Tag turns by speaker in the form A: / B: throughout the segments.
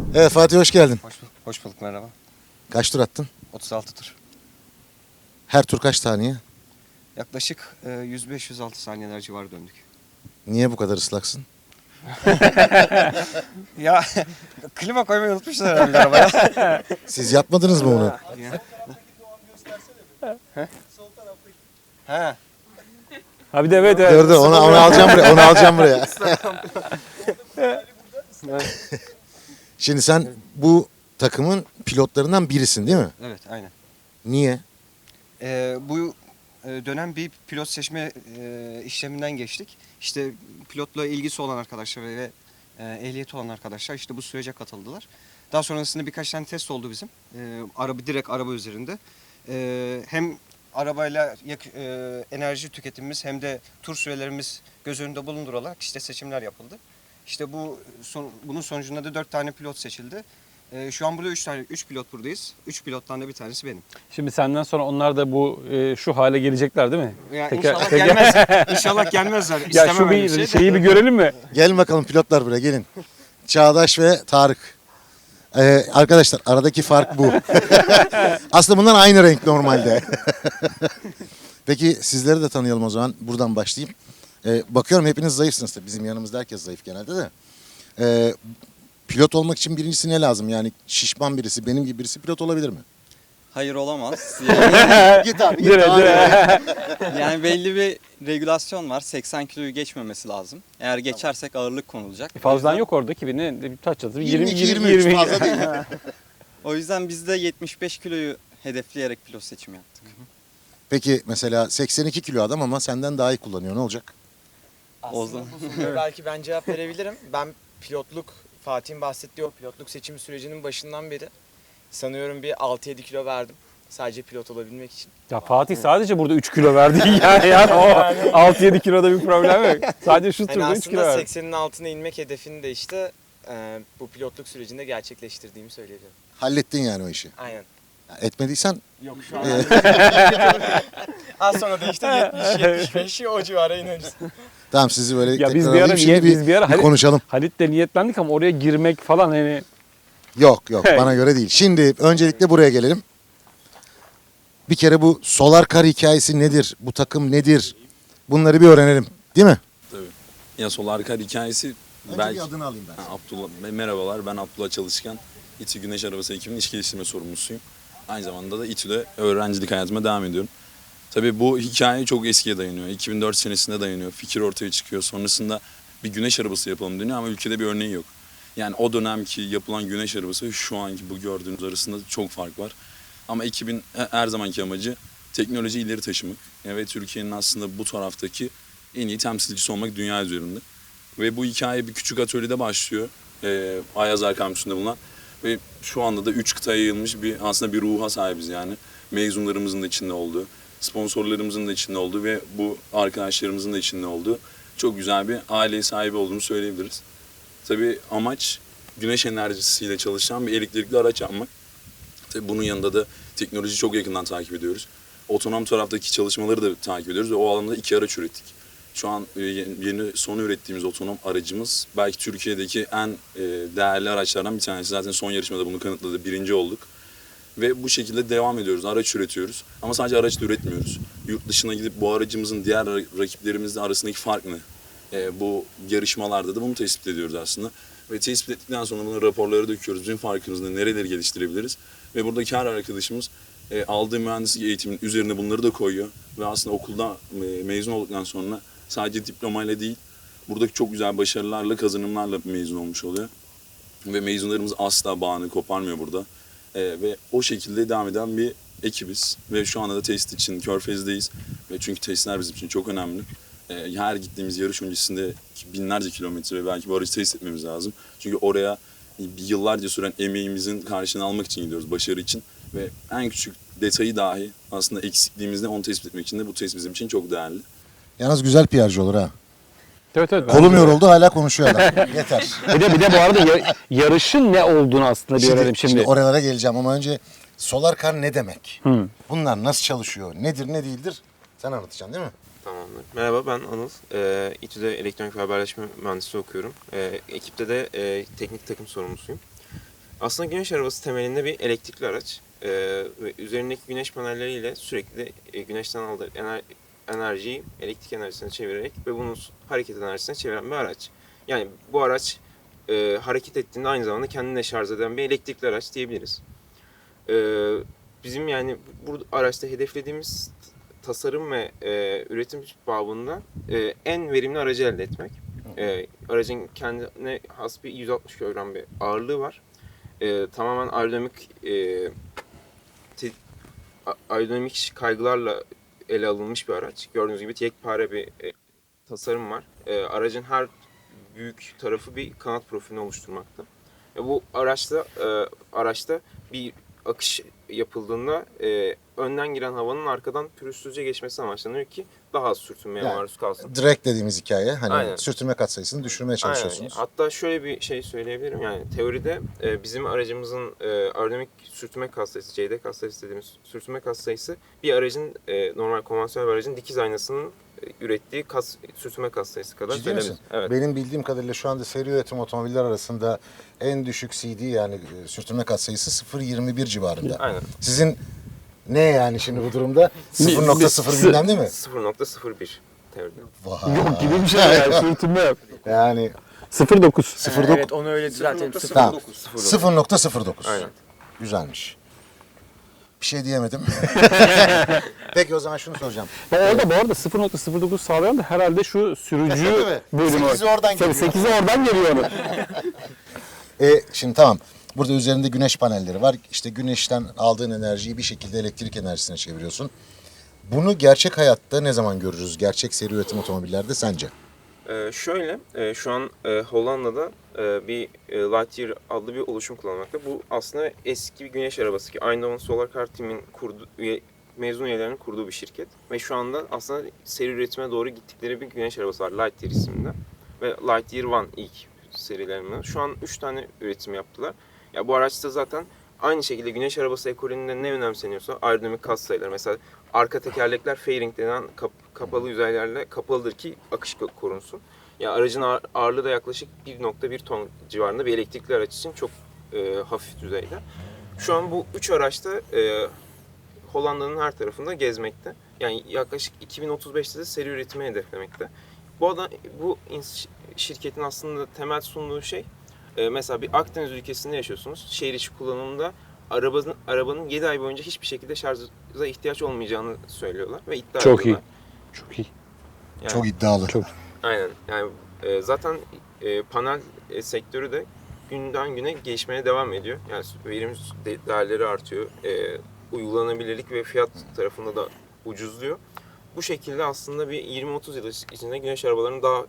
A: Evet Fatih, hoş geldin.
B: Hoş bulduk, merhaba.
A: Kaç tur attın?
B: 36 tur.
A: Her tur kaç saniye?
B: Yaklaşık 105-106 saniyeler civarı döndük.
A: Niye bu kadar ıslaksın?
B: Ya klima koymayı unutmuşlar herhalde arabaya.
A: Siz yapmadınız mı bunu?
B: He.
C: Ha bir de evet.
A: Dur onu alacağım buraya. Onu alacağım buraya. Şimdi sen bu takımın pilotlarından birisin değil mi?
B: Evet, aynen.
A: Niye?
B: Bu dönem bir pilot seçme işleminden geçtik. İşte pilotla ilgisi olan arkadaşlar ve ehliyeti olan arkadaşlar işte bu sürece katıldılar. Daha sonrasında birkaç tane test oldu bizim. Direkt araba üzerinde. Hem arabayla enerji tüketimimiz hem de tur sürelerimiz göz önünde bulundurularak işte seçimler yapıldı. İşte bunun sonucunda da 4 tane pilot seçildi. Şu an burada 3 pilot buradayız. 3 pilottan da bir tanesi benim.
C: Şimdi senden sonra onlar da bu şu hale gelecekler değil mi?
B: Ya inşallah gelmez. İnşallah gelmezler.
C: Ya şu bir şeyi bir görelim mi?
A: Gelin bakalım pilotlar buraya, gelin. Çağdaş ve Tarık. Arkadaşlar aradaki fark bu. Aslında bunlar aynı renk normalde. Peki sizleri de tanıyalım o zaman. Buradan başlayayım. Bakıyorum hepiniz zayıfsınız tabii. Bizim yanımızda herkes zayıf genelde de. Pilot olmak için birincisi ne lazım? Yani şişman birisi, benim gibi birisi pilot olabilir mi?
D: Hayır, olamaz. Yani,
A: Git abi,
D: yani belli bir regülasyon var. 80 kiloyu geçmemesi lazım. Eğer geçersek ağırlık konulacak.
C: Fazlan yok orada ki ne kaç yazdı?
A: 22-23 fazla değil.
D: O yüzden biz de 75 kiloyu hedefleyerek pilot seçimi yaptık.
A: Peki mesela 82 kilo adam ama senden daha iyi kullanıyor. Ne olacak?
D: O
E: Aslında
D: zaman-
E: bu soruya belki ben cevap verebilirim. Ben Fatih'in bahsettiği o pilotluk seçimi sürecinin başından beri sanıyorum bir 6-7 kilo verdim. Sadece pilot olabilmek için.
C: Ya Fatih sadece burada 3 kilo verdi yani o 6-7 kiloda bir problem yok. Sadece şu
E: Hani
C: turda 3 kilo
E: aslında
C: verdi.
E: 80'in altına inmek hedefini de işte bu pilotluk sürecinde gerçekleştirdiğimi söyleyebilirim.
A: Hallettin yani o işi.
E: Aynen.
A: Ya etmediysen
E: Yok şu an. Az sonra da işte 70-75 o civara ineriz.
A: tamam, sizi böyle
C: Ya biz
A: tekrar
C: bir ara
A: alayım. Şimdi
C: biz bir ara
A: bir konuşalım.
C: Halit'le niyetlendik ama oraya girmek falan hani
A: Yok bana göre değil. Şimdi öncelikle buraya gelelim. Bir kere bu Solar Car hikayesi nedir? Bu takım nedir? Bunları bir öğrenelim. Değil mi?
F: Tabii. Ya Solar Car hikayesi belki...
A: bir adını alayım ben.
F: Abdullah, merhabalar, ben Abdullah Çalışkan. İTÜ Güneş Arabası ekibinin iş geliştirme sorumlusuyum. Aynı zamanda da İTÜ'de öğrencilik hayatıma devam ediyorum. Tabii bu hikaye çok eskiye dayanıyor. 2004 senesinde dayanıyor. Fikir ortaya çıkıyor. Sonrasında bir güneş arabası yapalım deniyor ama ülkede bir örneği yok. Yani o dönemki yapılan güneş arabası ve şu anki bu gördüğünüz arasında çok fark var. Ama ekibin her zamanki amacı teknolojiyi ileri taşımak. Ve Türkiye'nin aslında bu taraftaki en iyi temsilcisi olmak dünya üzerinde. Ve bu hikaye bir küçük atölyede başlıyor. Ayazar kampüsünde bulunan. Ve şu anda da 3 kıtaya yayılmış aslında bir ruha sahibiz yani. Mezunlarımızın da içinde olduğu, sponsorlarımızın da içinde olduğu ve bu arkadaşlarımızın da içinde olduğu çok güzel bir aile sahibi olduğunu söyleyebiliriz. Tabii amaç güneş enerjisiyle çalışan bir elektrikli araç yapmak. Tabii bunun yanında da teknolojiyi çok yakından takip ediyoruz. Otonom taraftaki çalışmaları da takip ediyoruz ve o alanda 2 araç ürettik. Şu an yeni son ürettiğimiz otonom aracımız belki Türkiye'deki en değerli araçlardan bir tanesi. Zaten son yarışmada bunu kanıtladı. Birinci olduk. Ve bu şekilde devam ediyoruz. Araç üretiyoruz. Ama sadece araç da üretmiyoruz. Yurt dışına gidip bu aracımızın diğer rakiplerimizle arasındaki fark ne? Bu yarışmalarda da bunu tespit ediyoruz aslında. Ve tespit ettikten sonra bunu raporlara döküyoruz. Bizim farkımızda nereleri geliştirebiliriz? Ve buradaki her arkadaşımız aldığı mühendislik eğitiminin üzerine bunları da koyuyor. Ve aslında okulda mezun olduktan sonra sadece diplomayla değil, buradaki çok güzel başarılarla, kazanımlarla mezun olmuş oluyor. Ve mezunlarımız asla bağını koparmıyor burada. Ve o şekilde devam eden bir ekibiz. Ve şu anda da test için Körfez'deyiz. Ve çünkü testler bizim için çok önemli. Her gittiğimiz yarış öncesinde binlerce kilometre belki bu aracı test etmemiz lazım. Çünkü oraya yıllarca süren emeğimizin karşılığını almak için gidiyoruz, başarı için. Ve en küçük detayı dahi aslında eksikliğimizde onu tespit etmek için de bu test bizim için çok değerli.
A: Yalnız güzel PR'cı olur ha.
C: evet.
A: Kolum yoruldu hala konuşuyor adam. Yeter.
C: Bir de bu arada yarışın ne olduğunu aslında bir öğrenelim şimdi.
A: Oralara geleceğim ama önce Solar Car ne demek? Bunlar nasıl çalışıyor? Nedir ne değildir? Sen anlatacaksın değil mi?
G: Tamamdır. Merhaba, ben Anıl. İTÜ'de elektronik ve haberleşme mühendisliği okuyorum. Ekipte de teknik takım sorumlusuyum. Aslında güneş arabası temelinde bir elektrikli araç. Ve üzerindeki güneş panelleriyle sürekli güneşten aldığı enerjiyi elektrik enerjisine çevirerek ve bunu hareket enerjisine çeviren bir araç. Yani bu araç hareket ettiğinde aynı zamanda kendine şarj eden bir elektrikli araç diyebiliriz. Bizim yani bu araçta hedeflediğimiz tasarım ve üretim babında en verimli aracı elde etmek. Aracın kendine has bir 160 kilogram bir ağırlığı var. Tamamen aerodinamik kaygılarla ele alınmış bir araç. Gördüğünüz gibi yekpare bir tasarım var. Aracın her büyük tarafı bir kanat profilini oluşturmakta. Bu araçta bir akış yapıldığında önden giren havanın arkadan pürüzsüzce geçmesi amaçlanıyor ki daha az sürtünmeye
A: Yani,
G: maruz kalsın.
A: Direkt dediğimiz hikaye. Hani
G: Aynen.
A: sürtünme katsayısını düşürmeye çalışıyorsunuz.
G: Aynen. Hatta şöyle bir şey söyleyebilirim. Yani teoride bizim aracımızın aerodinamik sürtünme katsayısı, CD katsayısı dediğimiz sürtünme katsayısı bir aracın normal konvansiyonel bir aracın dikiz aynasının ürettiği sürtünme katsayısı kadar
A: Ciddi
G: söylenebilir.
A: misin?
G: Evet.
A: Benim bildiğim kadarıyla şu anda seri üretim otomobiller arasında en düşük CD yani sürtünme katsayısı 0.21 civarında.
G: Aynen.
A: Sizin ne yani şimdi bu durumda? 0.0 bilmem değil mi?
G: 0.01 teoride.
A: Vay.
C: Yok gibi bir şey yani. Sürtünme yok.
A: Yani
C: 0.9.
A: 0.9.
E: Evet onu öyle düzeltelim.
A: Tamam.
G: 0.09.
A: 0.09.
G: Aynen.
A: Güzelmiş. Bir şey diyemedim. Peki o zaman şunu soracağım.
C: Orada bu arada 0.09 sağlayan da herhalde şu sürücü
A: Değil mi?
C: bölümü.
A: 8'i oradan
C: Tabii
A: geliyor.
C: 8'i oradan geliyor onun.
A: Şimdi tamam. Burada üzerinde güneş panelleri var. İşte güneşten aldığın enerjiyi bir şekilde elektrik enerjisine çeviriyorsun. Bunu gerçek hayatta ne zaman görürüz? Gerçek seri üretim otomobillerde sence?
G: Şu an Hollanda'da bir Lightyear adlı bir oluşum kullanmakta. Bu aslında eski bir güneş arabası ki Eindhoven Solar Car Team'in mezun üyelerinin kurduğu bir şirket. Ve şu anda aslında seri üretime doğru gittikleri bir güneş arabası var Lightyear isminde. Ve Lightyear One ilk serilerinden. Şu an 3 tane üretim yaptılar. Ya bu araçta zaten aynı şekilde güneş arabası ekolünde ne önemseniyorsa aerodinamik katsayıları. Mesela arka tekerlekler fairing denen kapalı yüzeylerle kapalıdır ki akış korunsun. Ya aracın ağırlığı da yaklaşık 1.1 ton civarında bir elektrikli araç için çok hafif düzeyde. Şu an bu 3 araçta Hollanda'nın her tarafında gezmekte. Yani yaklaşık 2035'te de seri üretimi hedeflemekte. Bu şirketin aslında temel sunduğu şey mesela bir Akdeniz ülkesinde yaşıyorsunuz. Şehir içi kullanımda arabanın 7 ay boyunca hiçbir şekilde şarja ihtiyaç olmayacağını söylüyorlar ve iddia
C: Çok iyi.
G: ediyorlar.
C: Çok iyi.
G: Yani,
A: Çok iddialı.
C: Çok.
G: Aynen. Yani zaten panel sektörü de günden güne gelişmeye devam ediyor. Yani verim değerleri artıyor. Uygulanabilirlik ve fiyat tarafında da ucuzluyor. Bu şekilde aslında bir 20-30 yıl içinde güneş arabalarını daha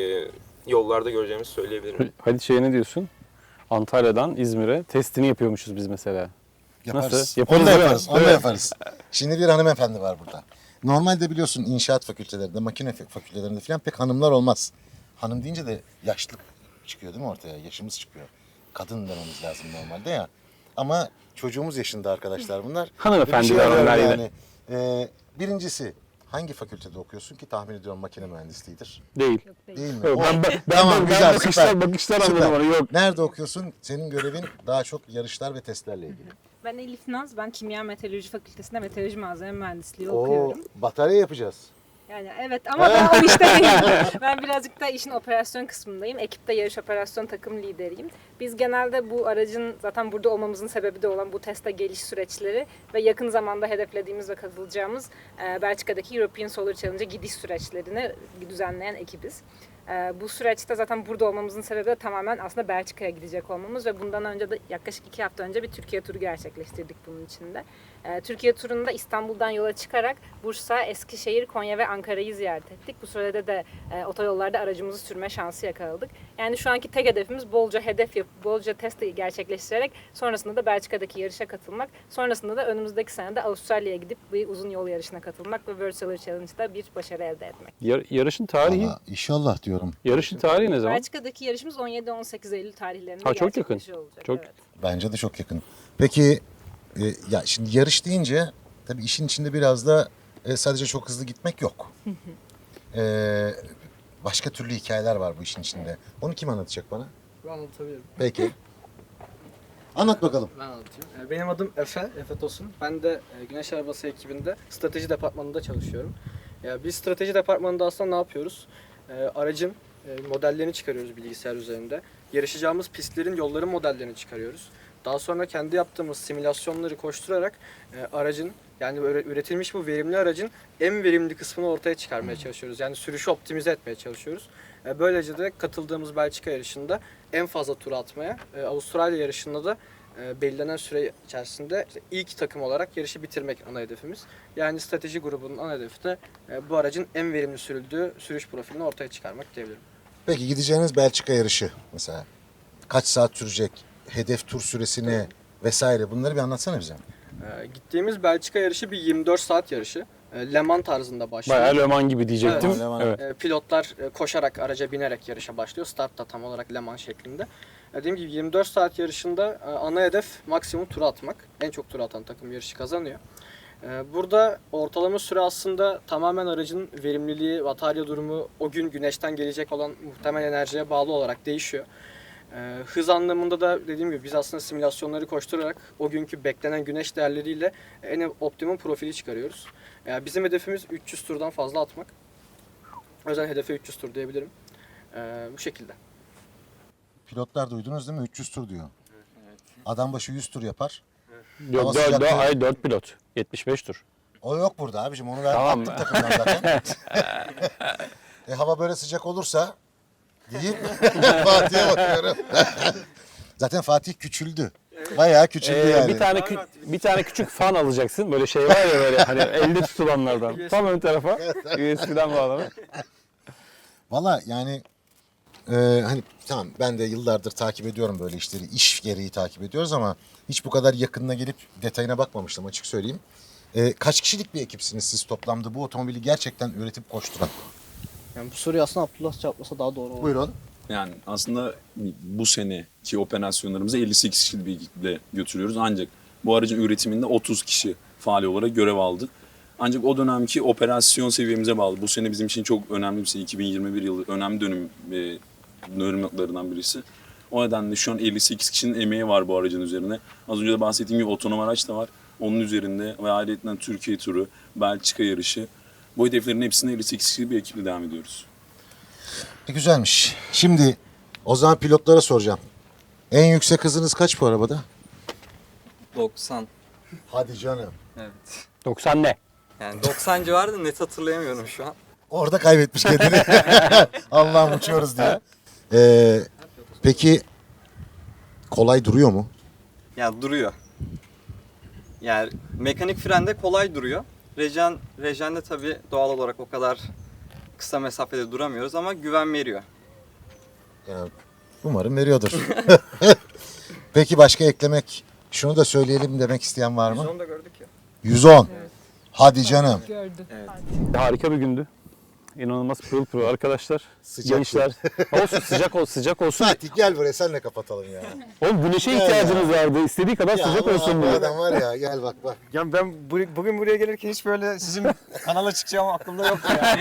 G: yollarda göreceğimizi söyleyebilirim.
C: Hadi şeye ne diyorsun? Antalya'dan İzmir'e testini yapıyormuşuz biz mesela.
A: Yaparız.
C: Nasıl? Yaparız,
A: Onu da
C: değil mi?
A: yaparız. Onu da
C: Evet.
A: yaparız. Şimdi bir hanımefendi var burada. Normalde biliyorsun inşaat fakültelerinde, makine fakültelerinde falan pek hanımlar olmaz. Hanım deyince de yaşlı çıkıyor değil mi ortaya? Yaşımız çıkıyor. Kadın dememiz lazım normalde ya. Ama çocuğumuz yaşında arkadaşlar bunlar.
C: Hanımefendi
A: Bir şey
C: diyorlar
A: arıyorum
C: yine.
A: Birincisi hangi fakültede okuyorsun ki tahmin ediyorum makine mühendisliğidir.
C: Değil.
A: Değil mi?
C: Yok, ben
A: Tamam, güzel, süper.
C: bakışlar
A: Süper.
C: anladım onu. Yok.
A: Nerede okuyorsun? Senin görevin daha çok yarışlar ve testlerle ilgili.
H: Ben Elif Naz, ben Kimya Meteoroloji Fakültesi'nde meteoroloji malzeme mühendisliği
A: Oo,
H: okuyorum.
A: batarya yapacağız.
H: Yani evet ama ben o işte değilim. Ben birazcık da işin operasyon kısmındayım. Ekipte yarış operasyon takım lideriyim. Biz genelde bu aracın zaten burada olmamızın sebebi de olan bu teste geliş süreçleri ve yakın zamanda hedeflediğimiz ve katılacağımız Belçika'daki European Solar Challenge'a gidiş süreçlerini düzenleyen ekibiz. Bu süreçte zaten burada olmamızın sebebi de tamamen aslında Belçika'ya gidecek olmamız ve bundan önce de yaklaşık 2 hafta önce bir Türkiye turu gerçekleştirdik bunun içinde. Türkiye turunda İstanbul'dan yola çıkarak Bursa, Eskişehir, Konya ve Ankara'yı ziyaret ettik. Bu sürede de otoyollarda aracımızı sürme şansı yakaladık. Yani şu anki tek hedefimiz bolca hedef yapıp, bolca test gerçekleştirerek sonrasında da Belçika'daki yarışa katılmak. Sonrasında da önümüzdeki sene de Avustralya'ya gidip bir uzun yol yarışına katılmak ve World Solar Challenge'da bir başarı elde etmek.
C: Yarışın tarihi.
A: Valla inşallah diyorum.
C: Yarışın tarihi ne zaman?
H: Belçika'daki yarışımız 17-18 Eylül tarihlerinde
C: Ha, çok yakın.
H: gerçekleşiyor olacak.
C: Çok-
H: Evet.
A: Bence de çok yakın. Peki ya şimdi yarış deyince tabii işin içinde biraz da sadece çok hızlı gitmek yok. Başka türlü hikayeler var bu işin içinde. Onu kim anlatacak bana?
I: Ben anlatabilirim.
A: Peki. Anlat bakalım.
I: Ben anlatayım. Benim adım Efe Tosun. Ben de Güneş Arabası ekibinde strateji departmanında çalışıyorum. Biz strateji departmanında aslında ne yapıyoruz? Aracın modellerini çıkarıyoruz bilgisayar üzerinde. Yarışacağımız pistlerin, yolların modellerini çıkarıyoruz. Daha sonra kendi yaptığımız simülasyonları koşturarak aracın, yani üretilmiş bu verimli aracın en verimli kısmını ortaya çıkarmaya çalışıyoruz. Yani sürüşü optimize etmeye çalışıyoruz. Böylece de katıldığımız Belçika yarışında en fazla tur atmaya, Avustralya yarışında da belirlenen süre içerisinde ilk takım olarak yarışı bitirmek ana hedefimiz. Yani strateji grubunun ana hedefi de bu aracın en verimli sürüldüğü sürüş profilini ortaya çıkarmak diyebilirim.
A: Peki gideceğiniz Belçika yarışı mesela kaç saat sürecek? Hedef tur süresini vesaire bunları bir anlatsana bize.
I: Gittiğimiz Belçika yarışı bir 24 saat yarışı. Le Mans tarzında başlıyor.
C: Bayağı Le Mans gibi diyecektim.
A: Evet, Le Mans.
C: Evet.
I: Pilotlar koşarak, araca binerek yarışa başlıyor. Start da tam olarak Le Mans şeklinde. Dediğim gibi 24 saat yarışında ana hedef maksimum tur atmak. En çok tur atan takım yarışı kazanıyor. Burada ortalama süre aslında tamamen aracın verimliliği, batarya durumu, o gün güneşten gelecek olan muhtemel enerjiye bağlı olarak değişiyor. Hız anlamında da dediğim gibi biz aslında simülasyonları koşturarak o günkü beklenen güneş değerleriyle en optimum profili çıkarıyoruz. Bizim hedefimiz 300 turdan fazla atmak. O yüzden hedefe 300 tur diyebilirim. Bu şekilde.
A: Pilotlar duydunuz değil mi? 300 tur diyor. Adam başı 100 tur yapar.
C: Yok,
A: Hava sıcaklığı-
C: hayır 4 pilot. 75 tur.
A: O yok burada abicim. Onu ver
C: Tamam.
A: attık takımdan zaten. Hava böyle sıcak olursa deyip Fatih'e bakıyorum. Zaten Fatih küçüldü. Bayağı küçüldü yani.
C: Bir tane küçük fan alacaksın. Böyle şey var ya böyle hani elde tutulanlardan. Tam ön tarafa USB'den bağlamak.
A: Valla yani hani tamam ben de yıllardır takip ediyorum böyle işleri. İş gereği takip ediyoruz ama hiç bu kadar yakınına gelip detayına bakmamıştım açık söyleyeyim. Kaç kişilik bir ekipsiniz siz toplamda bu otomobili gerçekten üretip koşturan?
I: Yani bu soruyu aslında Abdullah cevaplasa daha doğru olur.
A: Buyurun.
F: Yani aslında bu seneki operasyonlarımızı 58 kişilik bir ekiple götürüyoruz. Ancak bu aracın üretiminde 30 kişi faal olarak görev aldı. Ancak o dönemki operasyon seviyemize bağlı. Bu sene bizim için çok önemli bir sene. 2021 yılı önemli dönümlerinden birisi. O nedenle şu an 58 kişinin emeği var bu aracın üzerine. Az önce de bahsettiğim gibi otonom araç da var. Onun üzerinde ve ayrıca Türkiye turu, Belçika yarışı. Bu hedeflerin hepsine 58 kişilik bir ekiple devam ediyoruz.
A: Güzelmiş. Şimdi o zaman pilotlara soracağım. En yüksek hızınız kaç bu arabada?
D: 90.
A: Hadi canım.
D: Evet.
C: 90 ne?
D: Yani 90 civarı da net hatırlayamıyorum şu an.
A: Orada kaybetmiş kendini. Allah'ım uçuyoruz diye. Peki kolay duruyor mu?
D: Ya duruyor. Yani mekanik frende kolay duruyor. Rejende tabii doğal olarak o kadar kısa mesafede duramıyoruz ama güven veriyor.
A: Yani umarım veriyordur. Peki başka eklemek, şunu da söyleyelim demek isteyen var mı?
B: 110 da gördük ya.
A: 110. Hadi canım.
C: Harika bir gündü. İnanılmaz pırıl pırıl arkadaşlar.
A: Sıcak
C: Gençler. Olsun sıcak olsun.
A: Fatih gel buraya senle kapatalım ya.
C: Oğlum güneşe ihtiyacınız vardı. İstediği kadar sıcak
A: Allah
C: olsun
A: Allah,
C: diye.
A: adam var ya gel bak.
B: Ya ben bugün buraya gelirken hiç böyle sizin kanala çıkacağım aklımda yoktu yani.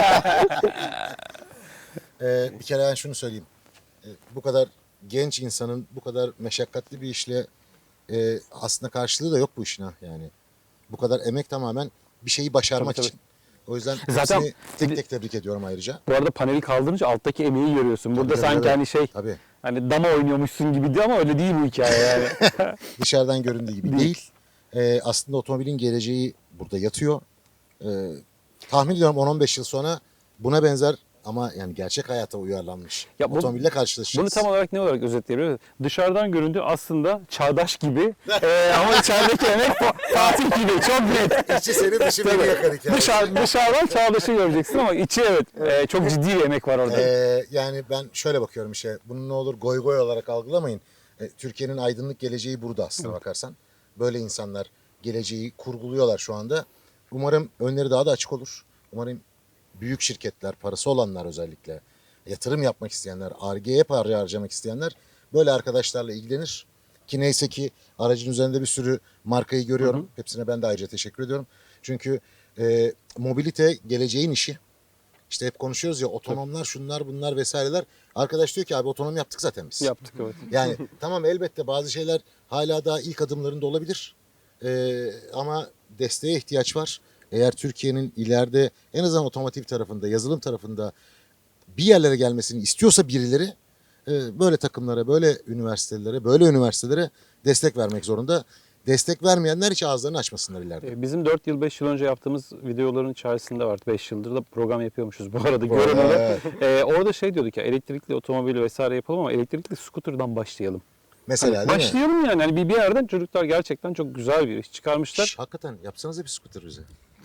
A: Bir kere ben şunu söyleyeyim. Bu kadar genç insanın bu kadar meşakkatli bir işle aslında karşılığı da yok bu işin ha yani. Bu kadar emek tamamen bir şeyi başarmak
C: Tabii,
A: için. O yüzden
C: Zaten
A: hepsini tek tek tebrik ediyorum ayrıca.
C: Bu arada paneli kaldırınca alttaki emeği görüyorsun. Burada
A: Tabii,
C: sanki
A: tabii.
C: hani şey
A: Tabii.
C: hani dama oynuyormuşsun gibi ama öyle değil bu hikaye yani.
A: Dışarıdan göründüğü gibi değil. Aslında otomobilin geleceği burada yatıyor. Tahmin ediyorum 10-15 yıl sonra buna benzer ama yani gerçek hayata uyarlanmış
C: Ya bu-
A: otomobille karşılaşacağız.
C: Bunu tam olarak ne olarak özetleyebiliriz? Dışarıdan göründüğü aslında çağdaş gibi ama içerideki emek Fatih gibi çok net.
A: İçi seni dışı beni yakar hikaye.
C: Dışarıdan çağdaşı göreceksin ama içi evet çok ciddi bir emek var orada.
A: Yani ben şöyle bakıyorum işe. Bunu ne olur goy goy olarak algılamayın. Türkiye'nin aydınlık geleceği burada aslına bakarsan. Böyle insanlar geleceği kurguluyorlar şu anda. Umarım önleri daha da açık olur. Umarım büyük şirketler, parası olanlar özellikle, yatırım yapmak isteyenler, Ar-Ge'ye para harcamak isteyenler böyle arkadaşlarla ilgilenir. Ki neyse ki aracın üzerinde bir sürü markayı görüyorum. Hepsine ben de ayrıca teşekkür ediyorum. Çünkü mobilite geleceğin işi. İşte hep konuşuyoruz ya otonomlar, şunlar, bunlar vesaireler. Arkadaş diyor ki abi otonom yaptık zaten biz.
C: Yaptık evet.
A: Yani tamam elbette bazı şeyler hala daha ilk adımlarında olabilir. Ama desteğe ihtiyaç var. Eğer Türkiye'nin ileride en azından otomotiv tarafında, yazılım tarafında bir yerlere gelmesini istiyorsa birileri böyle takımlara, böyle üniversitelere destek vermek zorunda. Destek vermeyenler hiç ağızlarını açmasınlar ileride.
C: Bizim 4 yıl 5 yıl önce yaptığımız videoların içerisinde vardı. 5 yıldır da program yapıyormuşuz bu arada görün onu.
A: Evet.
C: Orada şey diyorduk ya elektrikli otomobil vesaire yapalım ama elektrikli scooter'dan başlayalım.
A: Mesela değil mi?
C: Başlayalım yani. Hani bir yerden çocuklar gerçekten çok güzel bir iş çıkarmışlar.
A: Şş, hakikaten yapsanıza bir scooter bize.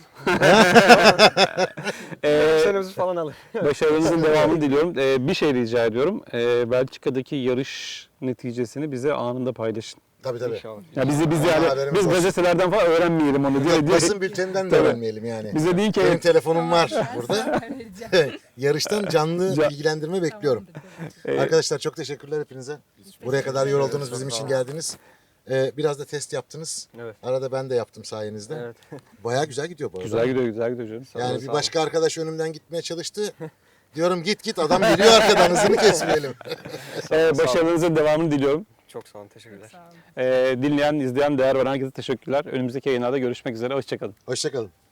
I: Senemizi falan alır.
C: Başarınızın devamını diliyorum. Bir şey rica ediyorum. Belçika'daki yarış neticesini bize anında paylaşın.
A: Tabii tabii.
C: Ya biz
A: Ha,
C: yani
A: haberimiz
C: biz
A: olsun.
C: gazetelerden falan öğrenmeyelim onu diye.
A: Basın bülteninden de
C: Tabii.
A: öğrenmeyelim yani.
C: Bize değil ki
A: Benim telefonum var burada.
H: Vereceğim.
A: Yarıştan canlı bilgilendirme bekliyorum. Arkadaşlar çok teşekkürler hepinize. Buraya kadar yoruldunuz, bizim için geldiniz. Biraz da test yaptınız.
I: Evet.
A: Arada ben de yaptım sayenizde.
I: Evet.
A: Bayağı güzel gidiyor bu arada.
C: güzel gidiyor canım. Sağ olun,
A: Yani
C: sağ
A: bir
C: olun.
A: başka arkadaş önümden gitmeye çalıştı. Diyorum git adam geliyor arkadan hızını kesmeyelim.
C: Başarınızın devamını diliyorum.
I: Çok sağ olun. Teşekkürler.
C: Dinleyen, izleyen, değer veren herkese teşekkürler. Önümüzdeki yayınlarda görüşmek üzere. Hoşçakalın.
A: Hoşçakalın.